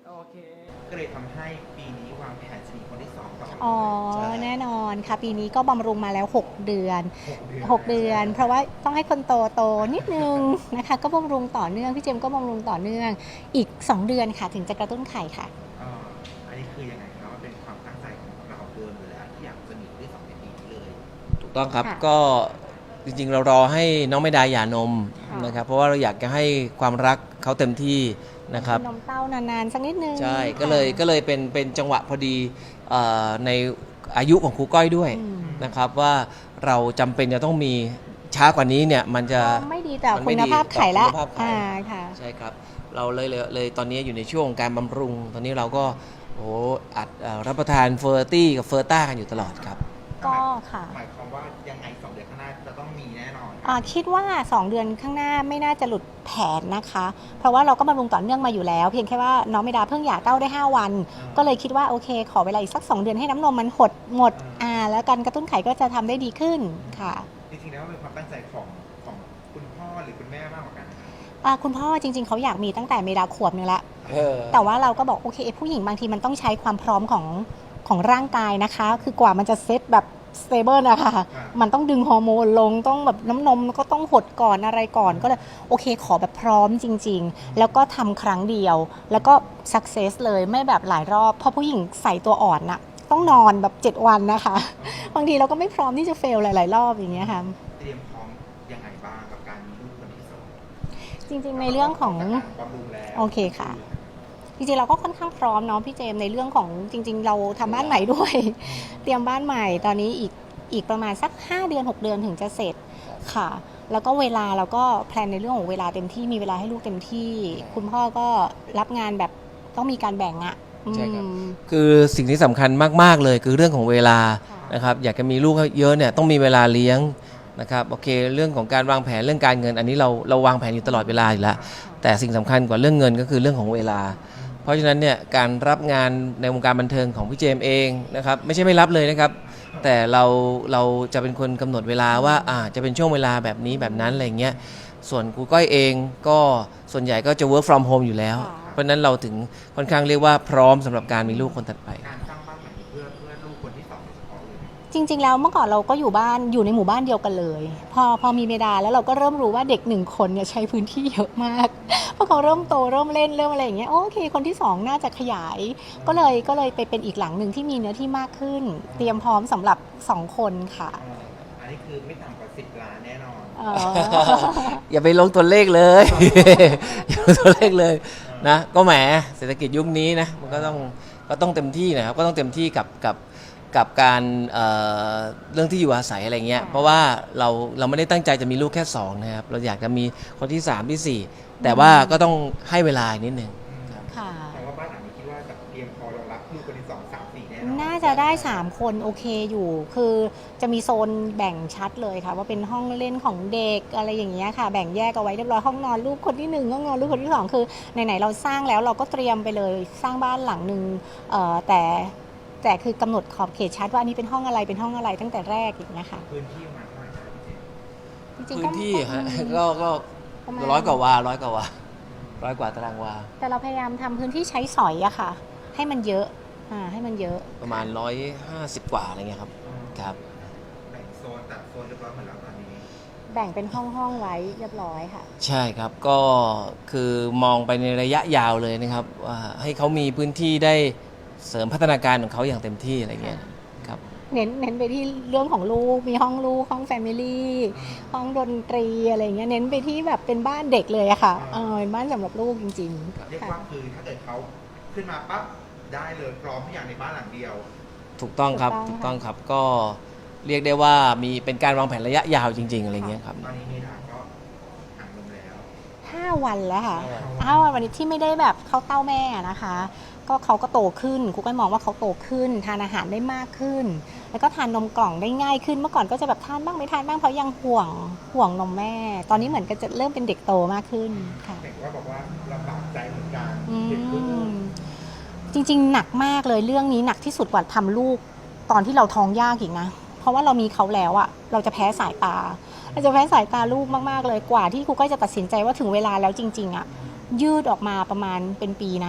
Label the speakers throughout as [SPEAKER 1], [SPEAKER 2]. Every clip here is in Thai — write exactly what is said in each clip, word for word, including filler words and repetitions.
[SPEAKER 1] โอเค
[SPEAKER 2] ก็เลยทำให้ปีนี้วางแผนจะมีคนที่สองต่อ
[SPEAKER 3] อ๋อ
[SPEAKER 2] เลย
[SPEAKER 3] แน่นอนค่ะปีนี้ก็บำรุงมาแล้วหกเดือน
[SPEAKER 2] หกเดือน
[SPEAKER 3] หกเดือนเพราะว่าต้องให้คนโตโตนิดนึงนะคะก็บำรุงต่อเนื่องพี่เจมส์ก็บำรุงต่อเนื่องอีกสองเดือนค่ะถึงจะกระตุ้นไข่ค่ะ
[SPEAKER 2] อ่าอันนี้คือยังไงครับว่าเป็นความตั้งใจของเราเดิมอยู่แล้วที่อยากจะมีคนที่สองในปีนี้เลย
[SPEAKER 1] ถูกต้องครับ
[SPEAKER 3] ค่ะ
[SPEAKER 1] ก็จริงๆเรารอให้น้องไม่ได้หย่านม
[SPEAKER 3] ค่ะ
[SPEAKER 1] นะครับเพราะว่าเราอยากจะให้ความรักเขาเต็มที่นะครับ
[SPEAKER 3] นมเต้านานๆสักนิดนึง
[SPEAKER 1] ใช่
[SPEAKER 3] ค่ะ
[SPEAKER 1] ก็เลยก็เลยเป็นเป็นจังหวะพอดีเอ่อในอายุของครูก้อยด้วย
[SPEAKER 3] อืม
[SPEAKER 1] นะครับว่าเราจำเป็นจะต้องมีช้ากว่านี้เนี่ยมันจะ
[SPEAKER 3] ไม่ดีต่อ
[SPEAKER 1] มัน
[SPEAKER 3] คุ
[SPEAKER 1] ไม่
[SPEAKER 3] ณ
[SPEAKER 1] ดี
[SPEAKER 3] ภาพไข่ละ
[SPEAKER 1] ต่อคุณภาพไข่
[SPEAKER 3] อ่าค่ะ
[SPEAKER 1] ใช่ครับเราเลยเลยเลยตอนนี้อยู่ในช่วงการบำรุง ตอนนี้เราก็โอ้อัดเอ่อรับประทานเฟอร์ตี้กับเฟอร์ต้ากันอยู่ตลอดครับ
[SPEAKER 3] ก็ค่ะ
[SPEAKER 2] หมายความว่ายังไงสองเดือนข้างหน้าจะต้องมีแน่นอน
[SPEAKER 3] อ่าคิดว่าสองเดือนข้างหน้าไม่น่าจะหลุดแผนนะคะ เพราะว่าเราก็บำรุงต่อเนื่องมาอยู่แล้ว เพียงแค่ว่าน้องเมดาเพิ่งหย่าเต้าได้ห้าวัน ก็เลยคิดว่าโอเคขอเวลาอีกสักสองเดือนให้น้ำนมมันหดหมดอ่าแล้วการกระตุ้นไข่ก็จะทำได้ดีขึ้นค่ะ
[SPEAKER 2] จริงๆแล้วเป็นความตั้งใจของของคุณพ่อหรือคุณแม่มากกว่ากันนะครับ
[SPEAKER 3] อ่าคุณพ่อจริงๆเขาอยากมีตั้งแต่เมดาขวบนึงละ
[SPEAKER 1] เออ
[SPEAKER 3] แต่ว่าเราก็บอกโอเคผู้หญิงบางทีมันต้องใช้ความพร้อมของของร่างกายนะคะ คือกว่ามันจะเซตแบบสเตเบิลนะคะมันต้องดึงฮอร์โมนลงต้องแบบน้ำนมก็ต้องหดก่อนอะไรก่อนก็เลยโอเคขอแบบพร้อมจริงๆ แล้วก็ทำครั้งเดียว แล้วก็สักเซสเลยไม่แบบหลายรอบ เพราะผู้หญิงใส่ตัวอ่อนน่ะต้องนอนแบบเจ็ดวันนะคะ บางทีเราก็ไม่พร้อมที่จะเฟลหลายๆรอบอย่างเงี้ยค่ะ
[SPEAKER 2] เตรียมพร้อมยังไงบ้างกับการมีลูกคนที่สอง
[SPEAKER 3] จริงๆในเรื่องของ
[SPEAKER 2] บำรุงแล้ว
[SPEAKER 3] โอเคค่ะ จริงๆเราก็ค่อนข้างพร้อมเนาะพี่เจมส์ในเรื่องของจริงๆเราทำบ้านใหม่ด้วย เตรียมบ้านใหม่ตอนนี้อีกอีกประมาณสักห้าเดือนหกเดือนถึงจะเสร็จค่ะ แล้วก็เวลาเราก็แพลนในเรื่องของเวลาเต็มที่มีเวลาให้ลูกเต็มที่ คุณพ่อก็รับงานแบบต้องมีการแบ่งอะ
[SPEAKER 1] ใช่ครับ
[SPEAKER 3] อืม
[SPEAKER 1] คือสิ่งที่สำคัญมากๆเลยคือเรื่องของเวลา
[SPEAKER 3] ค่ะ
[SPEAKER 1] นะครับอยากจะมีลูกเยอะเนี่ยต้องมีเวลาเลี้ยงนะครับโอเคเรื่องของการวางแผนเรื่องการเงิน อันนี้เราเราวางแผนอยู่ตลอดเวลาอยู่แล้วแต่สิ่งสำคัญกว่าเรื่องเงินก็คือเรื่องของเวลา เพราะฉะนั้นเนี่ยการรับงานในวงการบันเทิงของพี่เจมส์เองนะครับไม่ใช่ไม่รับเลยนะครับแต่เราเราจะเป็นคนกำหนดเวลาว่าอ่าจะเป็นช่วงเวลาแบบนี้แบบนั้นอะไรเงี้ยส่วนครูก้อยเองก็ส่วนใหญ่ก็จะ work from home อยู่แล้ว เพราะฉะนั้นเราถึงค่อนข้างเรียกว่าพร้อมสำหรับการมีลูกคนถัดไป
[SPEAKER 2] การสร้างบ้านใหม่เพื่อเพื่อลูกคนที่สองโดยเฉพาะเลย
[SPEAKER 3] จริงๆแล้วเมื่อก่อนเราก็อยู่บ้านอยู่ในหมู่บ้านเดียวกันเลย พอพอมีเมดาแล้วเราก็เริ่มรู้ว่าเด็กหนึ่งคนเนี่ยใช้พื้นที่เยอะมาก เพราะเขาเริ่มโตเริ่มเล่นเริ่มอะไรอย่างเงี้ยโอเคคนที่สองน่าจะขยาย ก็เลยก็เลยไปเป็นอีกหลังหนึ่งที่มีเนื้อที่มากขึ้น เตรียมพร้อมสำหรับสองคนค่ะ
[SPEAKER 2] อ่าอันนี้คือไม่ต่ำกว่าสิบล้านแน่นอน
[SPEAKER 3] เอ่อ
[SPEAKER 1] อย่าไปลงตัวเลขเลย อย่าลงตัวเลขเลยนะก็แหมเศรษฐกิจยุคนี้นะมันก็ต้องก็ต้องเต็มที่นะครับก็ต้องเต็มที่กับกับกับการเอ่อเรื่องที่อยู่อาศัยอะไรเงี้ย
[SPEAKER 3] ค่ะ
[SPEAKER 1] เพราะว่าเราเราไม่ได้ตั้งใจจะมีลูกแค่สองนะครับเราอยากจะมีคนที่สามที่สี่แต่ว่าก็ต้องให้เวลาอีกนิดนึง
[SPEAKER 3] ค่ะ
[SPEAKER 2] แต่ว่าบ้านหลังนี้คิดว่าจะเตรียมพอรองรับลูกคนที่สองสามสี่แน่นอน
[SPEAKER 3] น่าจะได้สามคนโอเคอยู่ คือจะมีโซนแบ่งชัดเลยค่ะ ว่าเป็นห้องเล่นของเด็กอะไรอย่างเงี้ยค่ะ แบ่งแยกเอาไว้เรียบร้อยห้องนอนลูกคนที่หนึ่งห้องนอนลูกคนที่สองคือไหนๆเราสร้างแล้วเราก็เตรียมไปเลยสร้างบ้านหลังหนึ่งเอ่อแต่แต่คือกำหนดขอบเขตชัดว่าอันนี้เป็นห้องอะไรเป็นห้องอะไรตั้งแต่แรกอย่างเงี้ยค่ะ
[SPEAKER 2] พื้นที่ประมาณเท่าไหร่ครับพี่เจมส์
[SPEAKER 3] จริงๆ
[SPEAKER 1] พื้
[SPEAKER 3] ก็
[SPEAKER 1] นที่ฮะ
[SPEAKER 3] อืม
[SPEAKER 1] ก็ก็
[SPEAKER 3] ประมาณ
[SPEAKER 1] ร้อยกว่าวาร้อยกว่าวาร้อยกว่าตารางวา
[SPEAKER 3] แต่เราพยายามทำพื้นที่ใช้สอยอะค่ะ ให้มันเยอะอ่าให้มันเยอะ
[SPEAKER 1] ประมาณร้อยห้าสิบกว่าอะไรเงี้ยครับครับ
[SPEAKER 2] แบ่งโซนตัดโซนเรียบร้อยหมดแล้วตอนนี้
[SPEAKER 3] แบ่งเป็นห้องห้องๆไว้เรียบร้อยค่ะ
[SPEAKER 1] ใช่ครับก็คือมองไปในระยะยาวเลยนะครับว่าให้เขามีพื้นที่ได้เสริมพัฒนาการของเขาอย่างเต็มที่อะไรเงี้ยครับ
[SPEAKER 3] เน้นเน้นไปที่เรื่องของลูก มีห้องลูก ห้องแฟมิลี่ ห้องดนตรีอะไรเงี้ย เน้นไปที่แบบเป็นบ้านเด็กเลยอะค่ะ เออเป็นบ้านสำหรับลูกจริง
[SPEAKER 2] เรีย
[SPEAKER 3] ๆ
[SPEAKER 2] ก
[SPEAKER 3] ค่ะ
[SPEAKER 2] ว่าคือถ้าเกิดเขาขึ้นมาปั๊บได้เลยพร้อมทุกอย่างในบ้านหลังเดียว
[SPEAKER 1] ถูกต้องครับ
[SPEAKER 3] ถู
[SPEAKER 1] ถู
[SPEAKER 3] ก
[SPEAKER 1] ก
[SPEAKER 3] ต้
[SPEAKER 1] ต้
[SPEAKER 3] อ
[SPEAKER 1] อง ง
[SPEAKER 3] ค่ะ
[SPEAKER 1] ครับก็เรียกได้ว่ามีเป็นการวางแผนระยะยาวจริง ๆอะไรเงี้ยครับ
[SPEAKER 2] ตอนนี้เมดาก็ห่างลงแล้ว
[SPEAKER 3] ห้าวันแล้วค่ะ
[SPEAKER 2] ห้าวัน
[SPEAKER 3] ห้าวันวันนี้ที่ไม่ได้แบบเข้าเต้าแม่นะคะ ก็เขาก็โตขึ้นครูก็มองว่าเขาโตขึ้น ทานอาหารได้มากขึ้น แล้วก็ทานนมกล่องได้ง่ายขึ้น เมื่อก่อนก็จะแบบทานบ้างไม่ทานบ้างเพราะยังห่วงห่วงนมแม่ ตอนนี้เหมือนกับจะเริ่มเป็นเด็กโตมากขึ้นค่ะ
[SPEAKER 2] เห็นว่าบอกว่าลำบากใจเหมือนกัน
[SPEAKER 3] อื
[SPEAKER 2] เด็กลูก
[SPEAKER 3] มจริงๆ หนักมากเลยเรื่องนี้หนักที่สุดกว่าทำลูกตอนที่เราท้องยากอีกนะ เพราะว่าเรามีเขาแล้วอะเราจะแพ้สายตา เราจะแพ้สายตาลูกมากๆเลยกว่าที่ครูก็จะตัดสินใจว่าถึงเวลาแล้วจริงๆอะยืดออกมาประมาณเป็นปีนะ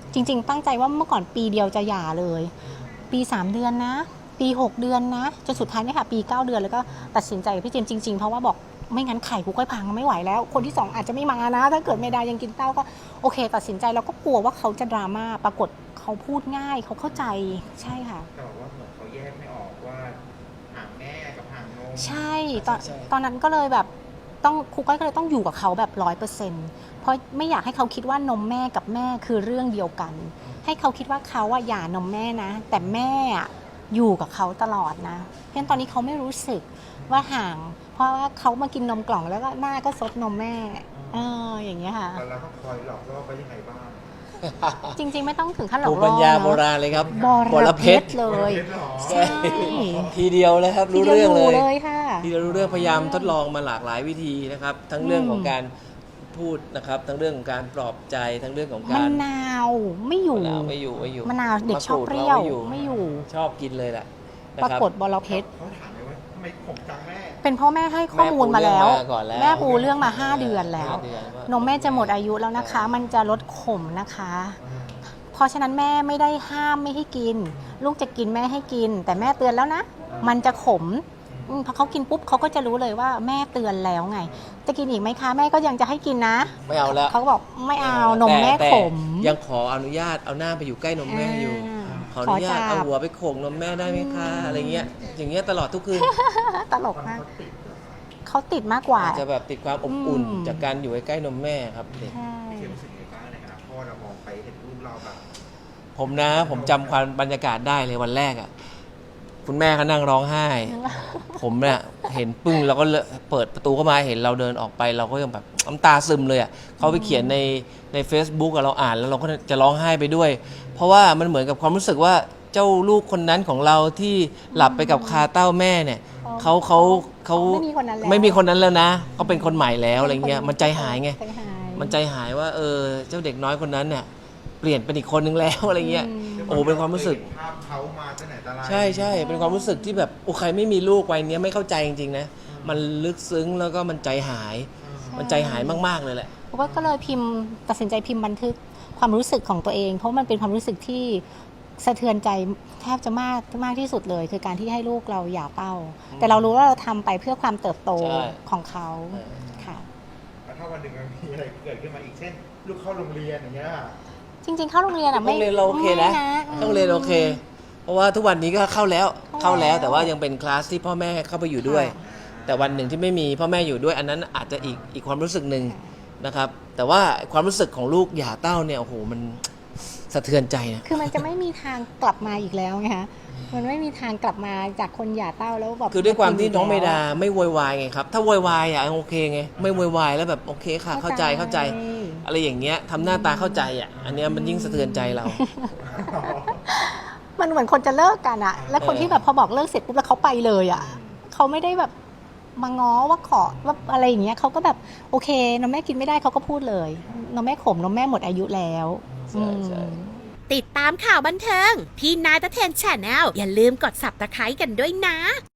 [SPEAKER 3] จริง ๆ ตั้งใจว่าเมื่อก่อนปีเดียวจะหย่าเลย ปีสามเดือนนะ ปีหกเดือนนะจนสุดท้ายเนี่ยค่ะปีเก้าเดือนแล้วก็ตัดสินใจกับพี่เจมส์จริงๆเพราะว่าบอกไม่งั้นไข่กูก็พังไม่ไหวแล้ว คนที่สองอาจจะไม่มานะ ถ้าเกิดเมดายังกินเต้าก็โอเค ตัดสินใจแล้วก็กลัวว่าเขาจะดราม่าปรากฏเขาพูดง่ายเขาเข้าใจใช่ค่ะ
[SPEAKER 2] แต่ว่าเหมือนเขาแยกไม่ออกว่าห่างแม่กับห่างนม
[SPEAKER 3] ใช่ตอน
[SPEAKER 1] ใช่
[SPEAKER 3] ตอนนั้นก็เลยแบบต้องครูก้อยก็เลยต้องอยู่กับเขาแบบร้อยเปอร์เซ็นต์เพราะไม่อยากให้เขาคิดว่านมแม่กับแม่คือเรื่องเดียวกัน ให้เขาคิดว่าเขาอะหย่านมแม่นะ แต่แม่อะอยู่กับเขาตลอดนะเพราะฉะนั้นตอนนี้เขาไม่รู้สึกว่าห่าง เพราะว่าเขามากินนมกล่องแล้วก็หน้าก็ซดนมแม่เอออย่างเงี้ยค่ะ
[SPEAKER 2] แต่เราต้องคอยหลอกล่อไปยังไงบ้าง
[SPEAKER 3] จริงๆไม่ต้องถึงขั้นหลอก
[SPEAKER 1] ภูมิ
[SPEAKER 3] ล่
[SPEAKER 1] ปั
[SPEAKER 3] อ
[SPEAKER 1] ญญา
[SPEAKER 3] เน
[SPEAKER 1] โบ
[SPEAKER 3] อะ
[SPEAKER 1] ราณเลยครับ
[SPEAKER 3] บรเพชรเลย
[SPEAKER 2] เพชรเหรอ
[SPEAKER 3] ใช่
[SPEAKER 1] ทีเดียวเลยครับ
[SPEAKER 3] ที
[SPEAKER 1] รู้
[SPEAKER 3] เดียว
[SPEAKER 1] เรื่อง
[SPEAKER 3] อ
[SPEAKER 1] เล
[SPEAKER 3] ยู่
[SPEAKER 1] ย
[SPEAKER 3] เลยค่ะ
[SPEAKER 1] ทีเดียวรู้เรื่องพยายามทดลองมาหลากหลายวิธีนะครับ ทั้งเรื่องของ
[SPEAKER 3] อืม
[SPEAKER 1] การพูดนะครับ ทั้งเรื่องของการปลอบใจ ทั้งเรื่องของ
[SPEAKER 3] มะ
[SPEAKER 1] การ
[SPEAKER 3] นาวไม่อยู่
[SPEAKER 1] มะนาวไม่อยู่ไม่อยู่
[SPEAKER 3] มะนาวเด็ก
[SPEAKER 1] มะ
[SPEAKER 3] ชอบ
[SPEAKER 1] รู
[SPEAKER 3] เปรี้ยว
[SPEAKER 1] ไม่อยู่
[SPEAKER 3] ไม่อยู่
[SPEAKER 1] ชอบกินเลยแหละนะ
[SPEAKER 3] ปรา
[SPEAKER 1] ครับ
[SPEAKER 3] กฏบรเพชร
[SPEAKER 2] เขาถามเลยว่าทำไมผมจังแม่
[SPEAKER 3] เป็นเพ่อแม่ให้ข้อมูลมาแล้ว
[SPEAKER 1] แม่ปูเรื่องมาก่อนแล้ว
[SPEAKER 3] แม่ปูเรื่องมาห้าเดือนแล้ว
[SPEAKER 1] ห้าเดือนว่าน
[SPEAKER 3] มแม่จะหมดอายุแล้วนะคะ มันจะลดขมนะคะ เพราะฉะนั้นแม่ไม่ได้ห้ามไม่ให้กิน ลูกจะกินแม่ให้กิน แต่แม่เตือนแล้วนะ มันจะขมอืมพอเขากินปุ๊บเขาก็จะรู้เลยว่าแม่เตือนแล้วไง จะกินอีกไหมคะ แม่ก็ยังจะให้กินนะ
[SPEAKER 1] ไม่เอาแล้ว
[SPEAKER 3] เขาก็บอกไม่เอานมแม่
[SPEAKER 1] ต่
[SPEAKER 3] ขม
[SPEAKER 1] ยังขออนุญาตเอาหน้าไปอยู่ใกล้นมแม่อยู่ ขออนุญาต
[SPEAKER 3] ขอจับ
[SPEAKER 1] เอาหัวไปโขกนมแม่ได้ไหมคะอะไรเงี้ยอย่างเงี้ยตลอดทุกคืน
[SPEAKER 3] ตลกมาก เขาติดมากกว่า
[SPEAKER 1] อาจจะแบบติดความอบอุ่น
[SPEAKER 3] อืม
[SPEAKER 1] จากการอยู่ใกล้ๆนมแม่ครับเด็ก
[SPEAKER 3] ใช่
[SPEAKER 2] เขียนรู้สึกยังไงบ้างในขณะพ่อเรามองไปเห็นรูปเราแบบ
[SPEAKER 1] ผมนะผมจำความบรรยากาศได้เลยวันแรกอ่ะคุณแม่เขานั่งร้องไห้ ผมเนี่ยเห็นปึ้งแล้วก็เลเปิดประตูเข้ามาเห็นเราเดินออกไปเราก็ยังแบบน้ำตาซึมเลยอ่ะเขาไปเขียนในใน Facebook อะเราอ่านแล้วเราก็จะร้องไห้ไปด้วย เพราะว่ามันเหมือนกับความรู้สึกว่าเจ้าลูกคนนั้นของเราที่หลับไปกับคาเต้าแม่เนี่ยเขาเขาเขา
[SPEAKER 3] ไม่มีคนนั้นแล้ว
[SPEAKER 1] ไม่มีคนนั้นแล้วนะเขาเป็นคนใหม่แล้วอะไรเงี้ยมันใจหายไง
[SPEAKER 3] ใจหาย
[SPEAKER 1] มันใจหายว่าเออเจ้าเด็กน้อยคนนั้นเนี่ยเปลี่ยนเป็นอีกคนนึงแล้วอะไรเงี้ย
[SPEAKER 3] อืม
[SPEAKER 1] โอ้เป็นความรู้สึก
[SPEAKER 2] ภาพเขามาตั้งไหนแต่ไร
[SPEAKER 1] ใช่ใช่เป็นความรู้สึกที่แบบโอ้ใครไม่มีลูกวัยเนี้ยไม่เข้าใจจริงๆนะมันลึกซึ้งแล้วก็มันใจหาย มันใจหายมากๆเลยแหละ
[SPEAKER 3] เพราะว่าก็เลยพิมพ์ตัดสินใจพิมพ์บันทึกความรู้สึกของตัวเอง เพราะมันเป็นความรู้สึกที่สะเทือนใจแทบจะมากมากที่สุดเลย คือการที่ให้ลูกเราหย่าเต้า แต่เรารู้ว่าเราทำไปเพื่อความเติบโต
[SPEAKER 1] ใช่
[SPEAKER 3] ของเขา
[SPEAKER 1] เออ
[SPEAKER 3] ค่ะ
[SPEAKER 2] แล้วถ้าวันหนึ่งมันมีอะไรเกิดขึ้นมาอีกเช่น ลูกเข้าโรงเรียนอย่างเงี้ย
[SPEAKER 3] จริงๆเข้าโรงเรียนอ่ะ
[SPEAKER 1] ต้
[SPEAKER 3] ไม่
[SPEAKER 1] องเรียนเราโอเคนะ
[SPEAKER 3] ไม่
[SPEAKER 1] ต้องเรียนโอเค เพราะว่าทุกวันนี้ก็เข้าแล้ว
[SPEAKER 3] เข้า
[SPEAKER 1] เข้า
[SPEAKER 3] แล้
[SPEAKER 1] แล้ว วแต่ว่ายังเป็นคลาสที่พ่อแม่เข้าไปอยู่ด้วย
[SPEAKER 3] ค่ะ
[SPEAKER 1] แต่วันหนึ่งที่ไม่มีพ่อแม่อยู่ด้วย อันนั้นอาจจะอีกอีกความรู้สึกหนึ่งนะครับ แต่ว่าความรู้สึกของลูกหย่าเต้าเนี่ยโอ้โหมันสะเทือนใจนะ
[SPEAKER 3] คือมันจะไม่มีทางกลับมาอีกแล้วไงคะมันไม่มีทางกลับมาจากคนหย่าเต้าแล้วแบบ
[SPEAKER 1] คือด้วยความที่น้องเมดา
[SPEAKER 3] แล้ว
[SPEAKER 1] ไม่โวยวายไงครับ ถ้าโวยวายอ่ะโอเคไงไม่โวยวายแล้วแบบโอเคค่ะ เข้าใจเข้าใจ อะไรอย่างเงี้ยทำหน้าตาเข้าใจอ่ะอันเนี้ยมันยิ่งสะเทือนใจเรา
[SPEAKER 3] มันเหมือนคนจะเลิกกันอะแล้วคน
[SPEAKER 1] เออ
[SPEAKER 3] ที่แบบพอบอกเลิกเสร็จปุ๊บแล้วเขาไปเลยอะเขาไม่ได้แบบมาง้อว่าขอว่าอะไรอย่างเงี้ยเขาก็แบบโอเคนมแม่กินไม่ได้เขาก็พูดเลยนมแม่ขมนมแม่หมดอายุแล้ว
[SPEAKER 1] ใช่ใช่
[SPEAKER 3] อืม
[SPEAKER 4] ติดตามข่าวบันเทิง พี่นายตะเทนแชนแนลอย่าลืมกด ซับสไครบ์ กันด้วยนะ